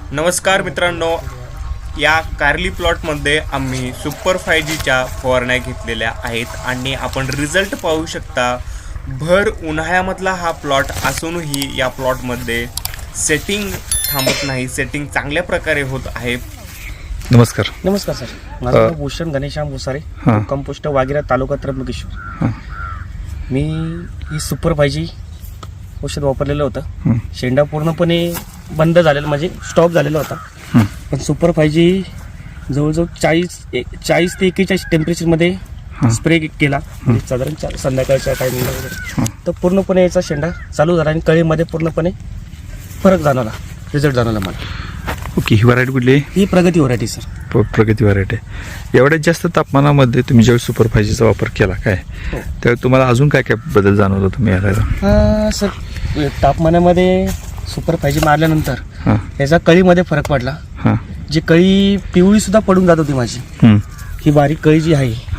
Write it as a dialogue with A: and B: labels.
A: नमस्कार मित्रांनो, या कारली प्लॉटमध्ये आम्ही सुपर 5Gच्या फवारण्या घेतलेल्या आहेत आणि आपण रिझल्ट पाहू शकता। भर उन्हाळ्यामधला हा प्लॉट असूनही या प्लॉटमध्ये सेटिंग थांबत नाही, सेटिंग चांगल्या प्रकारे होत आहे।
B: नमस्कार
C: सर, माझं नाव भूषण घनश्याम भुसारे, कंपोस्ट वागिरा, तालुका त्र्यंबकेश्वर। मी ही सुपर 5G औषध वापरलेलं होतं। शेंडा पूर्णपणे बंद झालेला, म्हणजे स्टॉप झालेला होता। पण सुपर 5G जवळजवळ 40 ते 41 टेम्परेचरमध्ये स्प्रे केला, म्हणजे साधारण संध्याकाळच्या टायमिंगला वगैरे, तर पूर्णपणे याचा शेंडा चालू झाला आणि कळीमध्ये पूर्णपणे फरक जाणवला, रिझल्ट जाणवला मला।
B: ओके, ही व्हरायटी कुठली आहे?
C: ही प्रगती व्हरायटी सर।
B: प्रगती व्हरायटी आहे। एवढ्यात जास्त तापमानामध्ये तुम्ही ज्यावेळी सुपर 5Gचा वापर केला काय, त्यावेळी तुम्हाला अजून काय काय बदल जाणवला तुम्ही याला?
C: सर, तापमानामध्ये सुपर 5G मारल्यानंतर याचा कळीमध्ये फरक पडला। जी कळी पिवळी सुद्धा पडून जात होती माझी, ही बारीक कळी जी आहे